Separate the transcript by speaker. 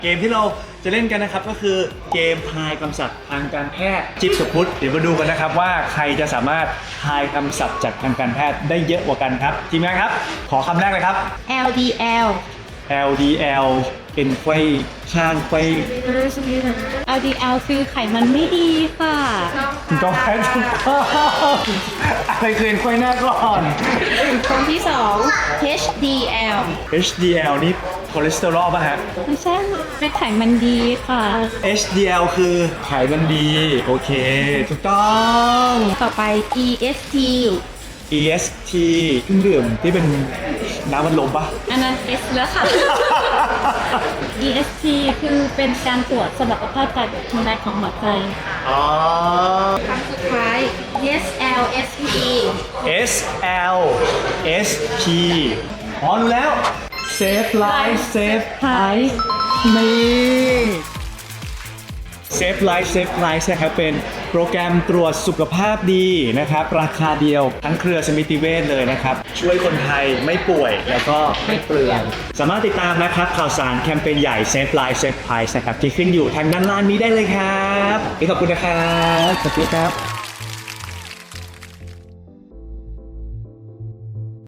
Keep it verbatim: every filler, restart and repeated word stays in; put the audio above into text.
Speaker 1: เกมที่เราจะเล่นกันนะครับก็คือเกมทายคำศัพท์ทางการแพทย์จิ๊บกับพุทธเดี๋ยวมาดูกันนะครับว่าใครจะสามารถทายคำศัพท์จากทางการแพทย์ได้เยอะกว่ากันครับทีมงานครับขอคำแรกเลยครับ
Speaker 2: แอล ดี แอล
Speaker 1: แอล ดี แอล เป็นไขว้ข้างไขว้
Speaker 2: แอล ดี แอล คือไขมันไม่ดีค่ะ
Speaker 1: ก็แพ้ทุกข้ออะไรคือไขว้หน้าก่อน
Speaker 2: คนที่สอง เอช ดี แอล
Speaker 1: เอช ดี แอล นี่คอเลสเตอรอลป่ะฮะ
Speaker 2: ไม่ใช่เป็นไขมันดีค่ะ
Speaker 1: เอช ดี แอล คือไขมันดีโอเคถูกต้อง
Speaker 2: ต่อไป อี เอส ที
Speaker 1: อี เอส ที เครื่องดื่มที่เป็นน้ำมันลมปะ
Speaker 2: อันนั้น S แล้วค่ะ อี เอส ที คือเป็นการตรวจสมรรถภาพการทำงานของหัวใจ
Speaker 1: อ๋อ
Speaker 2: ครั้งสุดท้าย เอส แอล เอส พี
Speaker 1: S L S P อ๋อรู้แล้ว Save Life Save
Speaker 2: ท้าย
Speaker 1: นี่ Save Life Save Life นะครับเป็นโปรแกรมตรวจสุขภาพดีนะครับราคาเดียวทั้งเครือสมิติเวชเลยนะครับช่วยคนไทยไม่ป่วยแล้วก็ไม่เปลืองสามารถติดตามนะครับข่าวสารแคมเปญใหญ่ Save Life Save Price นะครับที่ขึ้นอยู่ทางด้านล่างนี้ได้เลยครับขอบคุณนะครับขอบคุณครับ